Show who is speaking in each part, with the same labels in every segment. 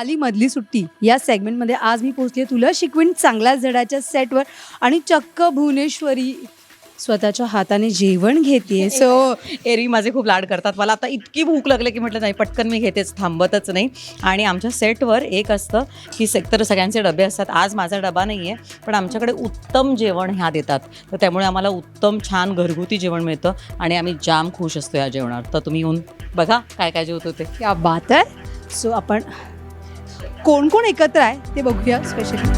Speaker 1: झाली मधली सुट्टी या सेगमेंटमध्ये आज मी पोहोचले तुला शिकवीन चांगल्या धड्याच्या सेटवर आणि चक्क भुवनेश्वरी स्वतःच्या हाताने जेवण घेते. सो
Speaker 2: एरवी माझे खूप लाड करतात. मला आता इतकी भूक लागली की म्हटलं नाही पटकन मी घेतेच, थांबतच नाही. आणि आमच्या सेटवर एक असतं की तर सगळ्यांचे डबे असतात. आज माझा डबा नाही आहे, पण आमच्याकडे उत्तम जेवण ह्या देतात. तर त्यामुळे आम्हाला उत्तम छान घरगुती जेवण मिळतं आणि आम्ही जाम खुश असतो या जेवणावर. तर तुम्ही येऊन बघा काय काय जेवत होते.
Speaker 1: क्या बात आहे. सो आपण कोण कोण एकत्र आहे ते बघूया स्पेशली.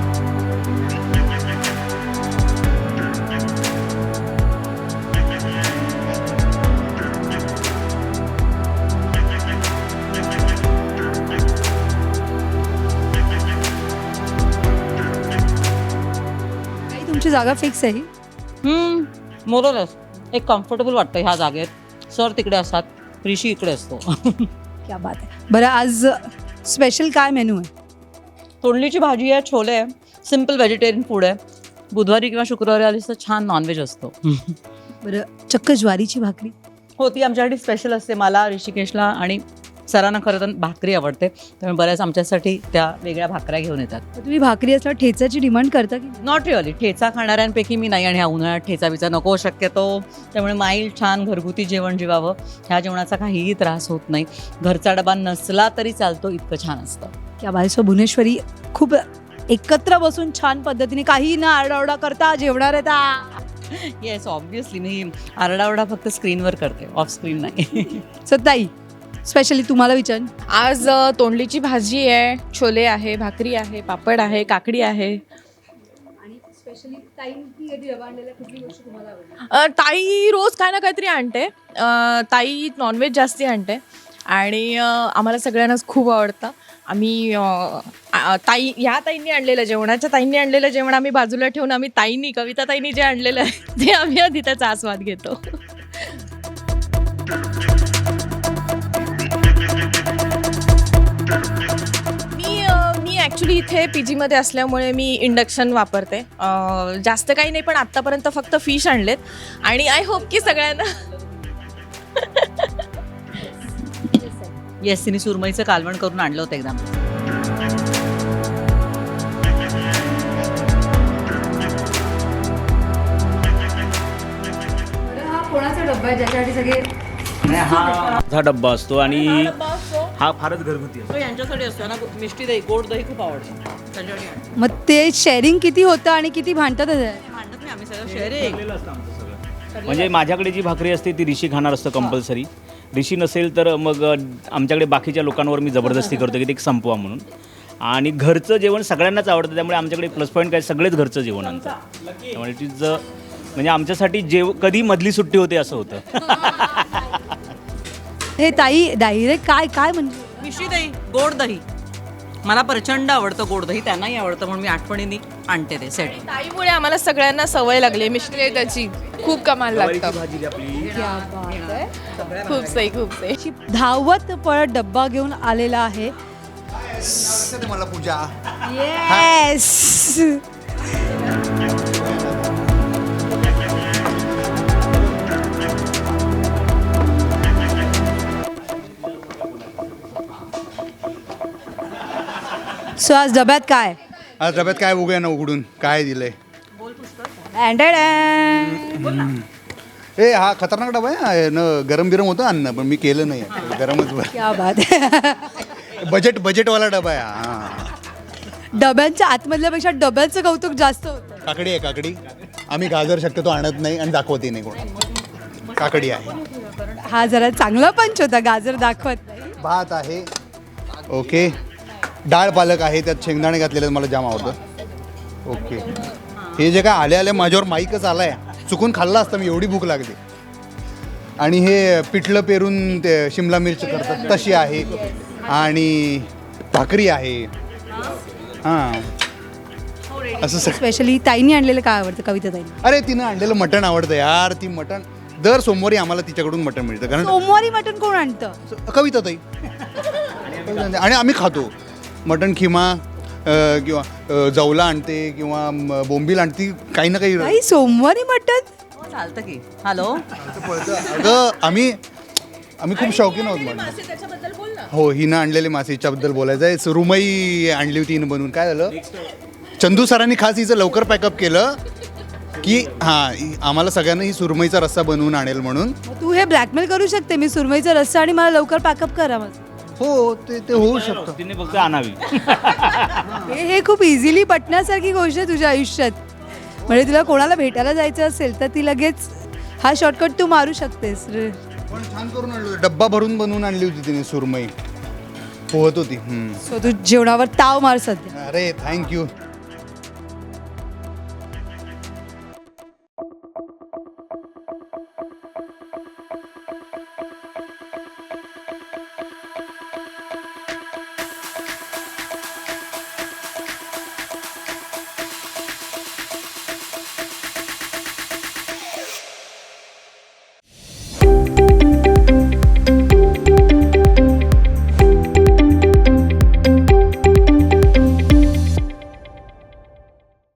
Speaker 1: तुमची जागा फिक्स आहे?
Speaker 2: मोरलच एक कम्फर्टेबल वाटतं ह्या जागेत. सर तिकडे असतात, ऋषी इकडे असतो.
Speaker 1: क्या बात आहे. बरं, आज स्पेशल काय मेनू आहे?
Speaker 2: तोंडलीची भाजी आहे, छोले आहे, सिम्पल व्हेजिटेरियन फूड आहे. बुधवारी किंवा शुक्रवारी आलीस तर छान नॉनव्हेज असतो.
Speaker 1: बरं, चक्क ज्वारीची भाकरी
Speaker 2: हो, ती आमच्यासाठी स्पेशल असते. मला, ऋषिकेशला आणि सरांना खरं तर भाकरी आवडते, त्यामुळे बऱ्याच आमच्यासाठी त्या वेगळ्या भाकऱ्या घेऊन येतात.
Speaker 1: तुम्ही भाकरी असल्यावर ठेचाची डिमांड करता की?
Speaker 2: Not really. ठेचा खाणाऱ्यांपैकी मी नाही, आणि ह्या उन्हाळ्यात ठेचा बिचा नको शक्यतो. त्यामुळे माईल छान घरगुती जेवण जेवावं. ह्या जेवणाचा काहीही त्रास होत नाही. घरचा डबा नसला तरी चालतो, इतकं छान असतं.
Speaker 1: क्या बात. सो भुवनेश्वरी खूप एकत्र बसून छान पद्धतीने काही ना आरडाओरडा करता जेवणार आहे.
Speaker 2: येस, ऑब्व्हियसली मी आरडाओरडा फक्त स्क्रीनवर करते, ऑफ स्क्रीन नाही.
Speaker 1: सो ताई, स्पेशली तुम्हाला विचार.
Speaker 3: आज तोंडलीची भाजी आहे, छोले आहे, भाकरी आहे, पापड आहे, काकडी आहे. ताई रोज काय ना काहीतरी आणते. ताई नॉनव्हेज जास्ती आणते आणि आम्हाला सगळ्यांनाच खूप आवडतं. आम्ही ह्या ताईंनी आणलेलं जेवणाच्या ताईंनी आणलेलं जेवण आम्ही बाजूला ठेवून आम्ही कविता ताईंनी जे आणलेलं आहे ते आम्ही आधी त्याचा आस्वाद घेतो. मी ॲक्च्युली इथे PGमध्ये असल्यामुळे मी इंडक्शन वापरते. जास्त काही नाही, पण आत्तापर्यंत फक्त फिश आणलेत आणि आय होप की सगळ्यांना.
Speaker 2: येस, तिने सुरमईचं कालवण करून आणलं होतं एकदम.
Speaker 1: हा कोणाचा डब्बा आहे ज्याच्यासाठी सगळे?
Speaker 4: हा डब्बा असतो आणि हा फारच घरगुती असतो.
Speaker 2: तो यांच्यासाठी असतो ना. मिष्टी दही, गोड दही खूप आवडतं त्यांच्यासाठी आणतो.
Speaker 1: मग ते शेअरिंग किती होतं आणि किती भांडतात?
Speaker 2: भांडत नाही आम्ही, सगळं शेअरिंग.
Speaker 4: ठरलेलं असतं आमचं सगळं. म्हणजे माझ्याकडे जी भाकरी असते ती ऋषी खाणार असतं कंपल्सरी. ऋषी नसेल तर मग आमच्याकडे बाकीच्या लोकांवर मी जबरदस्ती करतो की ते संपवा म्हणून. आणि घरचं जेवण सगळ्यांनाच आवडतं, त्यामुळे आमच्याकडे प्लस पॉईंट काय, सगळेच घरचं जेवण आणतात. त्यामुळे तिचं म्हणजे आमच्यासाठी कधी मधली सुट्टी होते असं होतं.
Speaker 1: हे ताई डायरेक्ट काय काय म्हणजे?
Speaker 2: मिष्टी दही, गोड दही मला प्रचंड आवडतं. गोड दही त्यांनाही आवडतं, म्हणून मी आठवणीने आणते ते सेट.
Speaker 3: ताईमुळे आम्हाला सगळ्यांना सवय लागली. मिष्टी त्याची खूप कमाल लागतं.
Speaker 4: भाजी आपली
Speaker 3: खूप सही.
Speaker 1: धावत पळत डब्बा घेऊन आलेला आहे.
Speaker 5: मला पूजा.
Speaker 1: येस. सो आज डब्यात काय?
Speaker 5: आज डब्यात काय बघूया ना उघडून काय दिलंय. हा खतरनाक डबा आहे न. गरम बिरम होतं अन्न, पण मी केलं नाही, गरमच.
Speaker 1: क्या बात आहे.
Speaker 5: बजेटवाला डबा आहे हा.
Speaker 1: डब्यांच्या आतमधल्यापेक्षा डब्याचं कौतुक जास्त होतं.
Speaker 5: काकडी आहे, काकडी. आम्ही गाजर शक्यतो आणत नाही आणि दाखवते नाही कोण. काकडी आहे.
Speaker 1: हा जरा चांगला पंच होता, गाजर दाखवत नाही.
Speaker 5: भात आहे. ओके. डाळ पालक आहे, त्यात शेंगदाणे घातलेले मला जाम आवडतं. ओके. हे जे काय आले माझ्यावर माईकच आलाय. चुकून खाल्ला असता मी, एवढी भूक लागली. आणि हे पिठलं पेरून ते शिमला मिरची करतात तशी आहे. आणि भाकरी आहे. हां, असं सगळं.
Speaker 1: स्पेशली ताईंनी आणलेलं काय आवडतं? कविता ताईंनी.
Speaker 5: अरे तिनं आणलेलं मटण आवडतं यार. ती मटण दर सोमवारी आम्हाला तिच्याकडून मटण मिळतं. कारण
Speaker 1: सोमवारी मटण कोण आणतं?
Speaker 5: कविता ताई. आणि आम्ही खातो मटण. खिमा किंवा जवला आणते किंवा बोंबील आणते, काही ना काही.
Speaker 1: सोमवारी मटण
Speaker 2: चालतं की. हॅलो,
Speaker 5: अगं आम्ही खूप शौकीन आहोत म्हणून.
Speaker 3: त्याच्याबद्दल बोल ना.
Speaker 5: हो हिनं आणलेली मासे हिच्याबद्दल बोलायचं आहे सुरुमई आणली होती हिनं बनवून. काय झालं चंदू सरांनी खास हिचं लवकर पॅकअप केलं की हां आम्हाला सगळ्यांना ही सुरमईचा रस्सा बनवून आणेल म्हणून.
Speaker 1: मग तू हे ब्लॅकमेल करू शकते मी सुरमईचा रस्सा आणि मला लवकर पॅकअप करा माझं.
Speaker 5: हो ते होऊ शकतं.
Speaker 4: तिने फक्त आणावी.
Speaker 1: हे खूप इझिली पटण्यासारखी गोष्ट आहे तुझ्या आयुष्यात. म्हणजे तुला कोणाला भेटायला जायचं असेल तर ती लगेच हा शॉर्टकट तू मारू शकतेस.
Speaker 5: पण छान करून आणली होती. डब्बा भरून बनवून आणली होती तिने सुरमई पोहत होती.
Speaker 1: सो तू जेवणावर ताव मार सध्या.
Speaker 5: अरे थँक्यू.